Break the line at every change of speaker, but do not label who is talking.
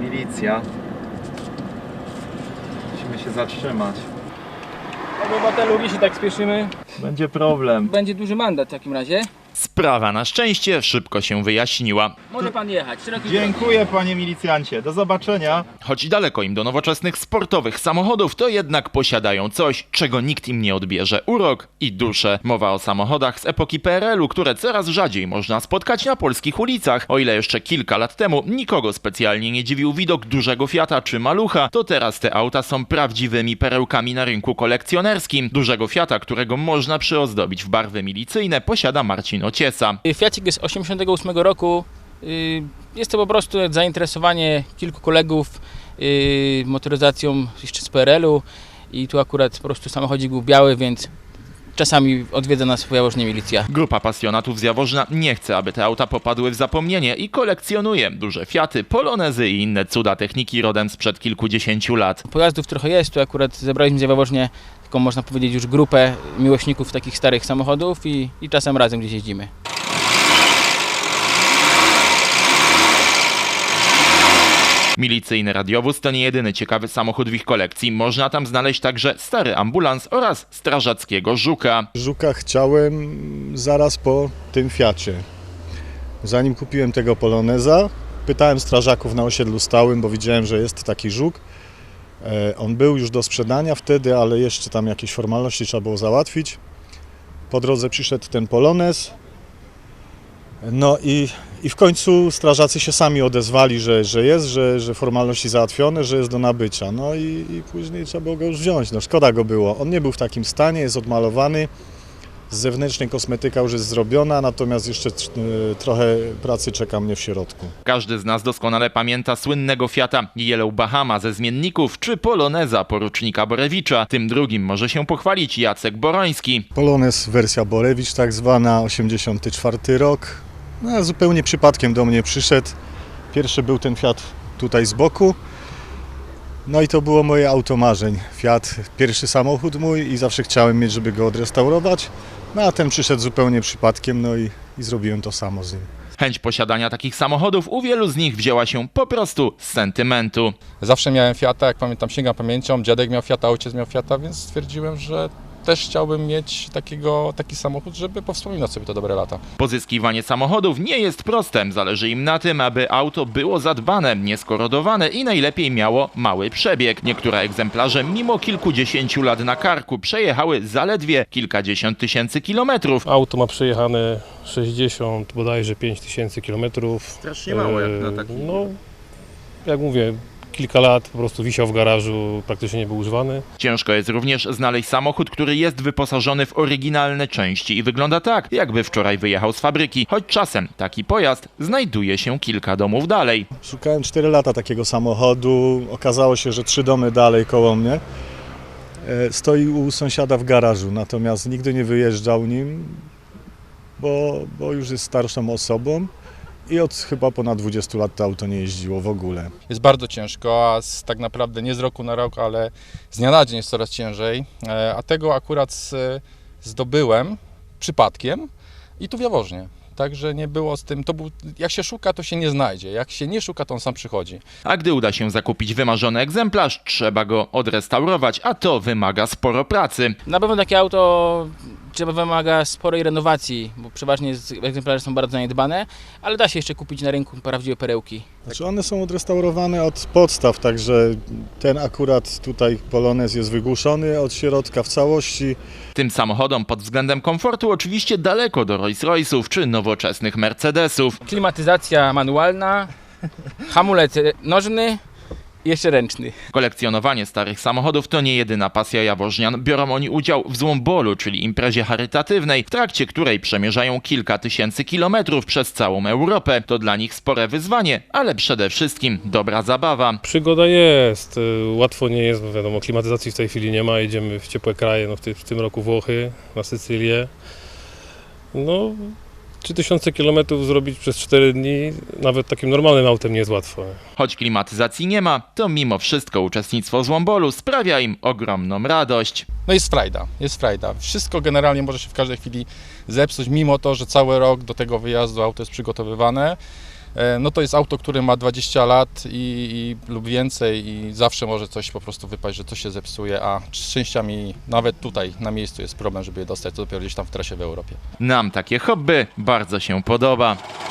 milicja. Musimy się zatrzymać.
Obywatelu, jeśli tak spieszymy,
Będzie problem.
będzie duży mandat w takim razie.
Sprawa na szczęście szybko się wyjaśniła.
Może pan jechać. Szeroki
Dziękuję, panie milicjancie. Do zobaczenia.
Choć daleko im do nowoczesnych sportowych samochodów, to jednak posiadają coś, czego nikt im nie odbierze: urok i duszę. Mowa o samochodach z epoki PRL-u, które coraz rzadziej można spotkać na polskich ulicach. O ile jeszcze kilka lat temu nikogo specjalnie nie dziwił widok dużego Fiata czy Malucha, to teraz te auta są prawdziwymi perełkami na rynku kolekcjonerskim. Dużego Fiata, którego można przyozdobić w barwy milicyjne, posiada Marcin Ociesa.
Fiacik jest 88 roku. Jest to po prostu zainteresowanie kilku kolegów motoryzacją jeszcze z PRL-u i tu akurat po prostu samochodzik był biały, więc czasami odwiedza nas w Jaworznie milicja.
Grupa pasjonatów z Jaworzna nie chce, aby te auta popadły w zapomnienie i kolekcjonuje duże Fiaty, Polonezy i inne cuda techniki rodem sprzed kilkudziesięciu lat.
Pojazdów trochę jest, tu akurat zebraliśmy z Jaworznie taką, można powiedzieć, już grupę miłośników takich starych samochodów i czasem razem gdzieś jeździmy.
Milicyjny radiowóz to nie jedyny ciekawy samochód w ich kolekcji. Można tam znaleźć także stary ambulans oraz strażackiego Żuka.
Żuka chciałem zaraz po tym Fiacie. Zanim kupiłem tego Poloneza, pytałem strażaków na osiedlu stałym, bo widziałem, że jest taki Żuk. On był już do sprzedania wtedy, ale jeszcze tam jakieś formalności trzeba było załatwić. Po drodze przyszedł ten Polonez. No i w końcu strażacy się sami odezwali, że formalności załatwione, że jest do nabycia. No i później trzeba było go już wziąć. No szkoda go było. On nie był w takim stanie, jest odmalowany. Z zewnętrznej kosmetyka już jest zrobiona, natomiast jeszcze trochę pracy czeka mnie w środku.
Każdy z nas doskonale pamięta słynnego Fiata Yellow Bahama ze zmienników czy Poloneza porucznika Borewicza. Tym drugim może się pochwalić Jacek Boroński.
Polonez wersja Borewicz tak zwana, 84 rok. No, zupełnie przypadkiem do mnie przyszedł. Pierwszy był ten Fiat tutaj z boku. No i to było moje auto marzeń. Fiat, pierwszy samochód mój i zawsze chciałem mieć, żeby go odrestaurować. No a ten przyszedł zupełnie przypadkiem, no i zrobiłem to samo z nim.
Chęć posiadania takich samochodów u wielu z nich wzięła się po prostu z sentymentu.
Zawsze miałem Fiata, jak pamiętam, sięgam pamięcią, dziadek miał Fiata, ojciec miał Fiata, więc stwierdziłem, że też chciałbym mieć taki samochód, żeby powspominać sobie te dobre lata.
Pozyskiwanie samochodów nie jest proste. Zależy im na tym, aby auto było zadbane, nieskorodowane i najlepiej miało mały przebieg. Niektóre egzemplarze mimo kilkudziesięciu lat na karku przejechały zaledwie kilkadziesiąt tysięcy kilometrów.
Auto ma przejechane 60 bodajże 5 tysięcy kilometrów.
Strasznie mało jak na taki.
No, jak mówię, kilka lat po prostu wisiał w garażu, praktycznie nie był używany.
Ciężko jest również znaleźć samochód, który jest wyposażony w oryginalne części i wygląda tak, jakby wczoraj wyjechał z fabryki, choć czasem taki pojazd znajduje się kilka domów dalej.
Szukałem 4 lata takiego samochodu, okazało się, że 3 domy dalej koło mnie. Stoi u sąsiada w garażu, natomiast nigdy nie wyjeżdżał nim, bo już jest starszą osobą. I od chyba ponad 20 lat to auto nie jeździło w ogóle.
Jest bardzo ciężko, a tak naprawdę nie z roku na rok, ale z dnia na dzień jest coraz ciężej. A tego akurat zdobyłem przypadkiem i tu w Jaworznie. Także nie było z tym, jak się szuka, to się nie znajdzie. Jak się nie szuka, to on sam przychodzi.
A gdy uda się zakupić wymarzony egzemplarz, trzeba go odrestaurować, a to wymaga sporo pracy.
Na pewno takie auto wymaga sporej renowacji, bo przeważnie egzemplarze są bardzo zaniedbane, ale da się jeszcze kupić na rynku prawdziwe perełki.
Znaczy one są odrestaurowane od podstaw, także ten akurat tutaj Polonez jest wygłuszony od środka w całości.
Tym samochodom pod względem komfortu oczywiście daleko do Rolls-Royce'ów czy nowoczesnych Mercedesów.
Klimatyzacja manualna, hamulec nożny i jeszcze ręczny.
Kolekcjonowanie starych samochodów to nie jedyna pasja jaworznian. Biorą oni udział w Złombolu, czyli imprezie charytatywnej, w trakcie której przemierzają kilka tysięcy kilometrów przez całą Europę. To dla nich spore wyzwanie, ale przede wszystkim dobra zabawa.
Przygoda jest, łatwo nie jest, bo wiadomo, klimatyzacji w tej chwili nie ma, jedziemy w ciepłe kraje, no w tym roku Włochy, na Sycylię. No, 3000 km zrobić przez 4 dni, nawet takim normalnym autem nie jest łatwo.
Choć klimatyzacji nie ma, to mimo wszystko uczestnictwo w Złombolu sprawia im ogromną radość.
No jest frajda. Wszystko generalnie może się w każdej chwili zepsuć, mimo to, że cały rok do tego wyjazdu auto jest przygotowywane. no to jest auto, które ma 20 lat lub więcej i zawsze może coś po prostu wypaść, że coś się zepsuje, a z częściami nawet tutaj na miejscu jest problem, żeby je dostać, to dopiero gdzieś tam w trasie w Europie.
Nam takie hobby bardzo się podoba.